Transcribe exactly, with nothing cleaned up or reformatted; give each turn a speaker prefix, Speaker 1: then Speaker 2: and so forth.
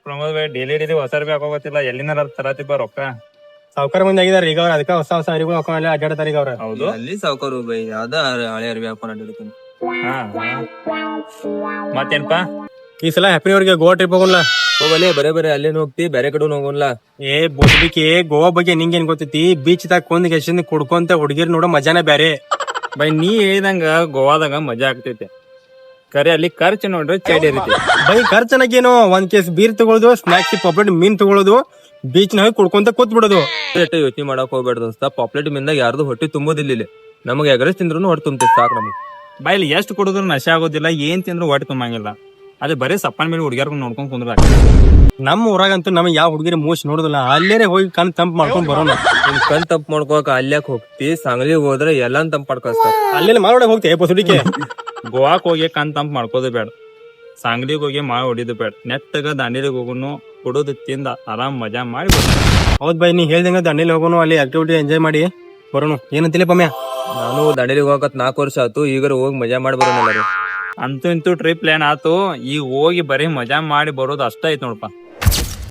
Speaker 1: Pramod Bhai daily daily ಹೊಸ ಅರ್ಬಿ ಹಾಕೋಗತ್ತಿಲ್ಲ ಎಲ್ಲಿನಾರ ತರತಿಬ್ಬ ರೊಕ್ಕ
Speaker 2: ಸಾವುಕಾರ ಮಂದಿ ಆಗಿದಾರ ಈಗ ಅವ್ರ ಅದಕ್ಕ ಹೊಸ ಹೊಸ ಅರಿಗಳು ಹಾಕೊಂಡ್ ಅಡ್ಡಾಡ್ತಾರ ಈಗ ಅವ್ರ.
Speaker 1: ಹೌದು
Speaker 3: ಅಲ್ಲಿ ಸಾವುಕಾರು ಬೈ ಯಾವ್ದ ಹಳೆ ಅರ್ಬಿ ಹಾಕೊಂಡ್ ಅಡ್ಡಿರ್ತೀನಿ.
Speaker 1: ಹಾ ಮತ್ತೇನ್ಪಾ
Speaker 2: ಈ ಸಲ ಹ್ಯಾಪಿ ನ್ಯೂ ಇಯರ್ಗೆ ಗೋವಾ ಟ್ರಿಪ್ ಹೋಗೋಣ.
Speaker 3: ಹೋಗಲೇ ಬರೇ ಬರೇ ಅಲ್ಲೇನು ಹೋಗ್ತಿ ಬೇರೆ ಕಡೆ ಹೋಗೋಲ್ಲ.
Speaker 2: ಏ ಬೋಸ್ಬಿಕೆ ಗೋವಾ ಬಗ್ಗೆ ನಿಂಗೇನ್ ಗೊತ್ತೈತಿ? ಬೀಚ್ ದಾಗ ಕೊಂದ್ ಎಷ್ಟಿಂದ ಕುಡ್ಕೊಂತ ಹುಡುಗಿರ್ ನೋಡೋ ಮಜಾನ ಬ್ಯಾರೆ.
Speaker 1: ಬೈ ನೀ ಹೇಳಿದಂಗ ಗೋವಾದಾಗ ಮಜಾ ಆಗ್ತೈತೆ ಕರೆ ಅಲ್ಲಿ ಖರ್ಚು ನೋಡ್ರಿ ಚೈಡಿ ಇರುತ್ತೆ.
Speaker 2: ಬೈ ಖರ್ಚನಾಗೇನು ಒಂದ್ ಕೇಸ್ ಬೀರ್ ತಗೊಳ್ಳೋದು, ಸ್ನಾಕ್ಸ್ ಪಾಪ್ಲೆಟ್ ಮೀನ್ ತಗೊಳ್ಳೋದು, ಬೀಚ್ ನ ಹೋಗಿ ಕುಡ್ಕೊಂತ ಕೂತ್ ಬಿಡೋದು.
Speaker 3: ಯೋಚನೆ ಮಾಡಕ್ ಹೋಗ್ಬೇಡ ದೋಸ್ತ. ಪಾಪ್ಲೆಟ್ ಮಿಂದಾಗ ಯಾರ್ದು ಹೊಟ್ಟೆ ತುಂಬೋದಿಲ್ಲ ಇಲ್ಲಿ. ನಮಗ್ ಎಗರಸ್ ತಿಂದ್ರು ಹೊಟ್ಟೆ ತುಂಬತೈತಿ ಸಾಕು ನಮಗ್.
Speaker 1: ಬಾಯಲ್ಲಿ ಎಷ್ಟು ಕುಡಿದ್ರು ನಶೆ ಆಗೋದಿಲ್ಲ, ಏನ್ ತಿಂದ್ರು ಹೊಟ್ಟೆ ತುಂಬಂಗಿಲ್ಲ. ಅದೇ ಬರೀ ಸಪ್ಪನ್ ಮೇಲೆ ಹುಡುಗಿಯರ್ಗ ನೋಡ್ಕೊಂಡ್ ಕುಂದ್ರ
Speaker 2: ನಮ್ಮ ಊರಾಗಂತೂ ನಮ್ಗೆ ಯಾವ ಹುಡುಗಿರಿ ಮೋಸ್ ನೋಡುದಿಲ್ಲ. ಅಲ್ಲೇನೆ ಹೋಗಿ ಕಣ್ ತಂಪ್ ಮಾಡ್ಕೊಂಡ್ ಬರೋಣ.
Speaker 3: ನಿನ್ ಕಣ್ ತಂಪ್ ಮಾಡ್ಕೋಕ ಅಲ್ಯಾಕ್ ಹೋಗ್ತಿ? ಸಾಂಗ್ಲಿಗ್ ಹೋದ್ರೆ ಎಲ್ಲಾನ್ ತಂಪ್ ಮಾಡ್ಕೊಸ್ತಾರ.
Speaker 2: ಅಲ್ಲೆಲ್ಲ ಮಾರೋಡಕ್ ಹೋಗ್ತೇವೆ ಪಸುಡಿಕೆ.
Speaker 1: ಗೋವಾಕ್ ಹೋಗಿ ಕಣ್ ತಂಪ್ ಮಾಡ್ಕೋದು ಬೇಡ, ಸಾಂಗ್ಲಿಗ್ ಹೋಗಿ ಮಾ ಹೊಡಿದು ಬೇಡ. ನೆಟ್ಟಗ ದಾಂಡೇಲಿಗೆ ಹೋಗೋನು, ಕುಡೋದು ತಿಂದ ಆರಾಮ್ ಮಜಾ ಮಾಡಿ ಬರ್ತಾನೆ.
Speaker 2: ಹೌದ್ ಬೈ, ನೀ ಹೇಳ್ದಂಗ ದಂಡೇಲಿ ಹೋಗೋನು, ಅಲ್ಲಿ ಆಕ್ಟಿವಿಟಿ ಎಂಜಾಯ್ ಮಾಡಿ ಬರೋಣ. ಏನಂತಿಲ್ಲ ಪಮ್ಯ?
Speaker 3: ನಾನು ದಂಡೇಲಿಗೆ ಹೋಗತ್ ನಾಲ್ಕು ವರ್ಷ ಆತು. ಈಗ ಹೋಗಿ ಮಜಾ ಮಾಡಿ ಬರೋಣ.
Speaker 1: ಅಂತೂ ಇಂತೂ ಟ್ರಿಪ್ ಪ್ಲಾನ್ ಆತು. ಈಗ ಹೋಗಿ ಬರೀ ಮಜಾ ಮಾಡಿ ಬರೋದು ಅಷ್ಟ ಐತ್ ನೋಡಪ್ಪ.